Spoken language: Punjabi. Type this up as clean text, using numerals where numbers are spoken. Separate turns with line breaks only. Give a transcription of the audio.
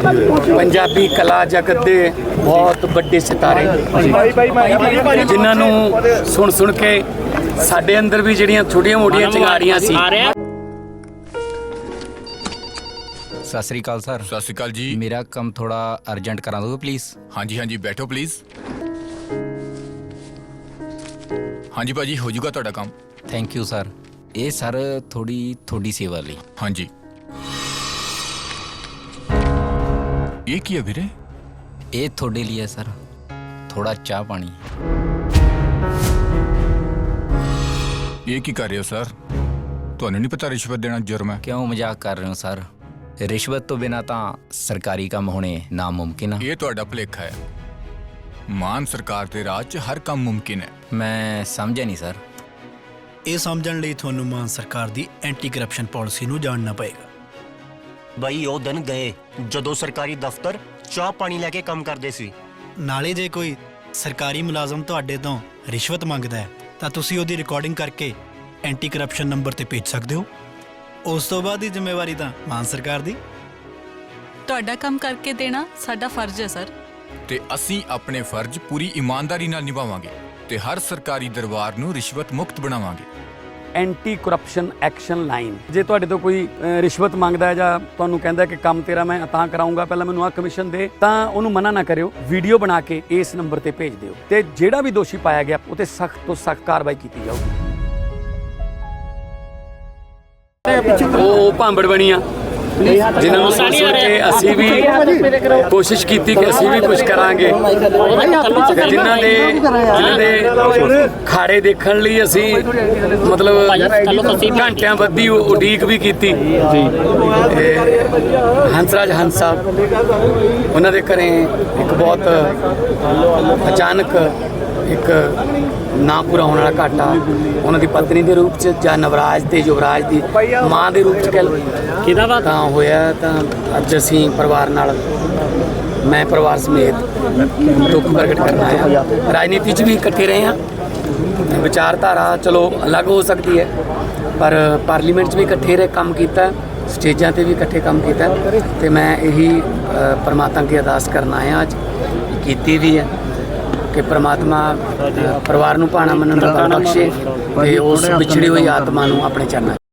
ਪੰਜਾਬੀ ਕਲਾ ਜਗਤ ਦੇ ਬਹੁਤ ਵੱਡੇ ਸਿਤਾਰੇ ਜਿਨ੍ਹਾਂ ਨੂੰ ਸੁਣ ਕੇ ਸਾਡੇ ਅੰਦਰ ਵੀ ਜਿਹੜੀਆਂ ਛੋਟੀਆਂ-ਮੋਟੀਆਂ ਚਿੰਗਾਰੀਆਂ ਸੀ।
ਸਤਿ ਸ੍ਰੀ ਅਕਾਲ ਸਰ।
ਸਤਿ ਸ਼੍ਰੀ ਅਕਾਲ ਜੀ।
ਮੇਰਾ ਕੰਮ ਥੋੜਾ ਅਰਜੈਂਟ ਕਰਾ ਦੋਗੇ ਪਲੀਜ਼?
ਹਾਂਜੀ ਹਾਂਜੀ ਬੈਠੋ ਪਲੀਜ਼। ਹਾਂਜੀ ਭਾਜੀ ਹੋ ਜਾਊਗਾ ਤੁਹਾਡਾ ਕੰਮ।
Thank you sir. ਇਹ ਸਰ ਥੋੜੀ ਸੇਵਾ ਲਈ।
ਹਾਂਜੀ ਇਹ ਕੀ ਹੈ ਵੀਰੇ?
ਇਹ ਤੁਹਾਡੇ ਲਈ ਹੈ ਸਰ, ਥੋੜਾ ਚਾਹ ਪਾਣੀ।
ਇਹ ਕੀ ਕਰ ਰਹੇ ਹੋ ਸਰ? ਤੁਹਾਨੂੰ ਨਹੀਂ ਪਤਾ ਰਿਸ਼ਵਤ ਦੇਣਾ ਜੁਰਮ ਹੈ?
ਕਿਉਂ ਮਜ਼ਾਕ ਕਰ ਰਹੇ ਹੋ ਸਰ? ਰਿਸ਼ਵਤ ਤੋਂ ਬਿਨਾਂ ਤਾਂ ਸਰਕਾਰੀ ਕੰਮ ਹੋਣੇ ਨਾਮੁਮਕਿਨ ਆ।
ਇਹ ਤੁਹਾਡਾ ਭੁਲੇਖਾ ਹੈ। ਮਾਨ ਸਰਕਾਰ ਦੇ ਰਾਜ 'ਚ ਹਰ ਕੰਮ ਮੁਮਕਿਨ ਹੈ।
ਮੈਂ ਸਮਝਿਆ ਨਹੀਂ ਸਰ।
ਇਹ ਸਮਝਣ ਲਈ ਤੁਹਾਨੂੰ ਮਾਨ ਸਰਕਾਰ ਦੀ ਐਂਟੀ ਕਰਪਸ਼ਨ ਪਾਲਿਸੀ ਨੂੰ ਜਾਣਨਾ ਪਏਗਾ।
ਬਈ ਉਹ ਦਿਨ ਗਏ ਜਦੋਂ ਸਰਕਾਰੀ ਦਫ਼ਤਰ ਚਾਹ ਪਾਣੀ ਲੈ ਕੇ ਕੰਮ ਕਰਦੇ ਸੀ।
ਨਾਲੇ ਜੇ ਕੋਈ ਸਰਕਾਰੀ ਮੁਲਾਜ਼ਮ ਤੁਹਾਡੇ ਤੋਂ ਰਿਸ਼ਵਤ ਮੰਗਦਾ ਹੈ ਤਾਂ ਤੁਸੀਂ ਉਹਦੀ ਰਿਕਾਰਡਿੰਗ ਕਰਕੇ ਐਂਟੀ ਕਰਪਸ਼ਨ ਨੰਬਰ ਤੇ ਭੇਜ ਸਕਦੇ ਹੋ। ਉਸ ਤੋਂ ਬਾਅਦ ਦੀ ਜ਼ਿੰਮੇਵਾਰੀ ਤਾਂ ਮਾਨ ਸਰਕਾਰ ਦੀ।
ਤੁਹਾਡਾ ਕੰਮ ਕਰਕੇ ਦੇਣਾ ਸਾਡਾ ਫਰਜ਼ ਹੈ ਸਰ।
ਤੇ ਅਸੀਂ ਆਪਣੇ ਫਰਜ਼ ਪੂਰੀ ਇਮਾਨਦਾਰੀ ਨਾਲ ਨਿਭਾਵਾਂਗੇ ਤੇ ਹਰ ਸਰਕਾਰੀ ਦਰਬਾਰ ਨੂੰ ਰਿਸ਼ਵਤ ਮੁਕਤ ਬਣਾਵਾਂਗੇ।
Anti corruption action line. ਜੇ ਤੁਹਾਡੇ ਤੋਂ ਕੋਈ ਰਿਸ਼ਵਤ ਮੰਗਦਾ ਹੈ ਜਾਂ ਤੁਹਾਨੂੰ ਕਹਿੰਦਾ ਕਿ ਕੰਮ ਤੇਰਾ ਮੈਂ ਤਾਂ ਕਰਾਉਂਗਾ, ਪਹਿਲਾਂ ਮੈਨੂੰ ਆਹ ਕਮਿਸ਼ਨ ਦੇ, ਤਾਂ ਉਹਨੂੰ ਮਨਾ ਨਾ ਕਰਿਓ। ਵੀਡੀਓ ਬਣਾ ਕੇ ਇਸ ਨੰਬਰ ਤੇ ਭੇਜ ਦਿਓ ਤੇ ਜਿਹੜਾ ਵੀ ਦੋਸ਼ੀ ਪਾਇਆ ਗਿਆ ਉਹ ਤੇ ਸਖਤ ਤੋਂ ਸਖਤ ਕਾਰਵਾਈ ਕੀਤੀ ਜਾਊਗੀ। ਉਹ ਭਾਂਬੜ ਬਣੀਆਂ ਜਿਨ੍ਹਾਂ ਨੂੰ ਸੁਣ ਕੇ ਅਸੀਂ ਵੀ ਕੋਸ਼ਿਸ਼ ਕੀਤੀ ਕਿ ਅਸੀਂ ਵੀ ਕੁਝ ਕਰਾਂਗੇ। ਜਿਨ੍ਹਾਂ ਦੇ ਖਾੜੇ ਦੇਖਣ ਲਈ ਅਸੀਂ ਮਤਲਬ ਘੰਟਿਆਂ ਬੱਧੀ ਉਡੀਕ ਵੀ ਕੀਤੀ। ਹੰਸਰਾਜ ਹੰਸ ਸਾਹਿਬ, ਉਹਨਾਂ ਦੇ ਘਰੇ ਇੱਕ ਬਹੁਤ ਅਚਾਨਕ ਇੱਕ ਨਾ ਪੂਰਾ ਹੋਣ ਵਾਲਾ ਘਾਟਾ ਉਹਨਾਂ ਦੀ ਪਤਨੀ ਦੇ ਰੂਪ 'ਚ ਜਾਂ ਨਵਰਾਜ ਤੇ ਯੁਵਰਾਜ ਦੀ ਮਾਂ ਦੇ ਰੂਪ 'ਚ ਕਹਿ ਲਓ ਤਾਂ ਹੋਇਆ। ਤਾਂ ਅੱਜ ਅਸੀਂ ਪਰਿਵਾਰ ਨਾਲ, ਮੈਂ ਪਰਿਵਾਰ ਸਮੇਤ ਦੁੱਖ ਪ੍ਰਗਟ ਕਰਨ ਆਇਆ। ਰਾਜਨੀਤੀ 'ਚ ਵੀ ਇਕੱਠੇ ਰਹੇ ਹਾਂ। ਵਿਚਾਰਧਾਰਾ ਚਲੋ ਅਲੱਗ ਹੋ ਸਕਦੀ ਹੈ ਪਰ ਪਾਰਲੀਮੈਂਟ 'ਚ ਵੀ ਇਕੱਠੇ ਰਹੇ, ਕੰਮ ਕੀਤਾ, ਸਟੇਜਾਂ ਤੇ ਵੀ ਇਕੱਠੇ ਕੰਮ ਕੀਤਾ। ਤੇ ਮੈਂ ਇਹੀ ਪਰਮਾਤਮਾ ਅੱਗੇ ਅਰਦਾਸ ਕਰਨ ਆਇਆ, ਅੱਜ ਕੀਤੀ ਵੀ ਹੈ ਕਿ ਪ੍ਰਮਾਤਮਾ ਪਰਿਵਾਰ ਨੂੰ ਭਾਣਾ ਮੰਨਣ ਦਾ ਬਲ ਬਖਸ਼ੇ ਤੇ ਉਸ ਵਿਛੜੀ ਹੋਈ ਆਤਮਾ ਨੂੰ ਆਪਣੇ ਚਰਨਾਂ